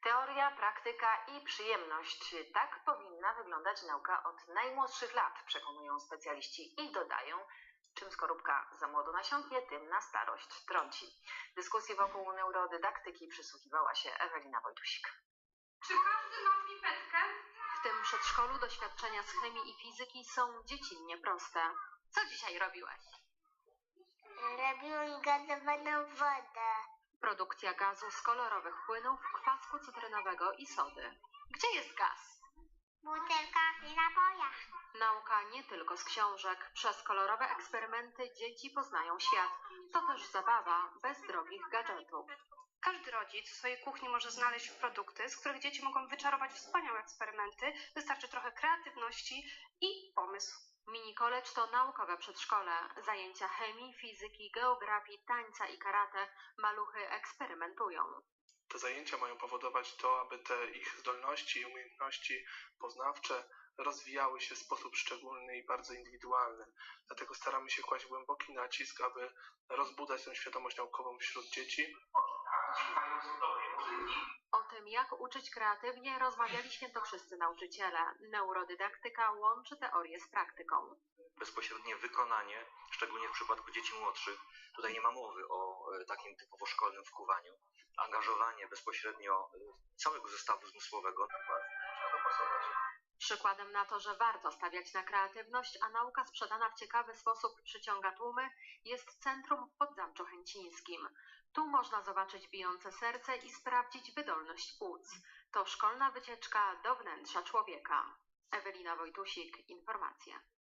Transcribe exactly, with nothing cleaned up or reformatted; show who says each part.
Speaker 1: Teoria, praktyka i przyjemność. Tak powinna wyglądać nauka od najmłodszych lat, przekonują specjaliści i dodają, czym skorupka za młodo nasiąknie, tym na starość trąci. Dyskusji wokół neurodydaktyki przysłuchiwała się Ewelina Wojtusik.
Speaker 2: Czy każdy ma pipetkę?
Speaker 1: W tym przedszkolu doświadczenia z chemii i fizyki są dziecinnie proste. Co dzisiaj robiłeś?
Speaker 3: Robiłem gazowaną wodę.
Speaker 1: Produkcja gazu z kolorowych płynów, kwasku cytrynowego i sody. Gdzie jest gaz?
Speaker 3: W butelkach i napojach.
Speaker 1: Nauka nie tylko z książek. Przez kolorowe eksperymenty dzieci poznają świat. To też zabawa bez drogich gadżetów.
Speaker 2: Każdy rodzic w swojej kuchni może znaleźć produkty, z których dzieci mogą wyczarować wspaniałe eksperymenty. Wystarczy trochę kreatywności i pomysł.
Speaker 1: Mini college to naukowe przedszkole. Zajęcia chemii, fizyki, geografii, tańca i karate. Maluchy eksperymentują.
Speaker 4: Te zajęcia mają powodować to, aby te ich zdolności i umiejętności poznawcze rozwijały się w sposób szczególny i bardzo indywidualny. Dlatego staramy się kłaść głęboki nacisk, aby rozbudzać tę świadomość naukową wśród dzieci.
Speaker 1: O tym, jak uczyć kreatywnie, rozmawiali świętokrzyscy nauczyciele. Neurodydaktyka łączy teorię z praktyką.
Speaker 5: Bezpośrednie wykonanie, szczególnie w przypadku dzieci młodszych, tutaj nie ma mowy o e, takim typowo szkolnym wkuwaniu. Angażowanie bezpośrednio e, całego zestawu zmysłowego.
Speaker 1: Przykładem na to, że warto stawiać na kreatywność, a nauka sprzedana w ciekawy sposób przyciąga tłumy, jest centrum w Podzamczu Chęcińskim. Tu można zobaczyć bijące serce i sprawdzić wydolność płuc. To szkolna wycieczka do wnętrza człowieka. Ewelina Wojtusik, informacje.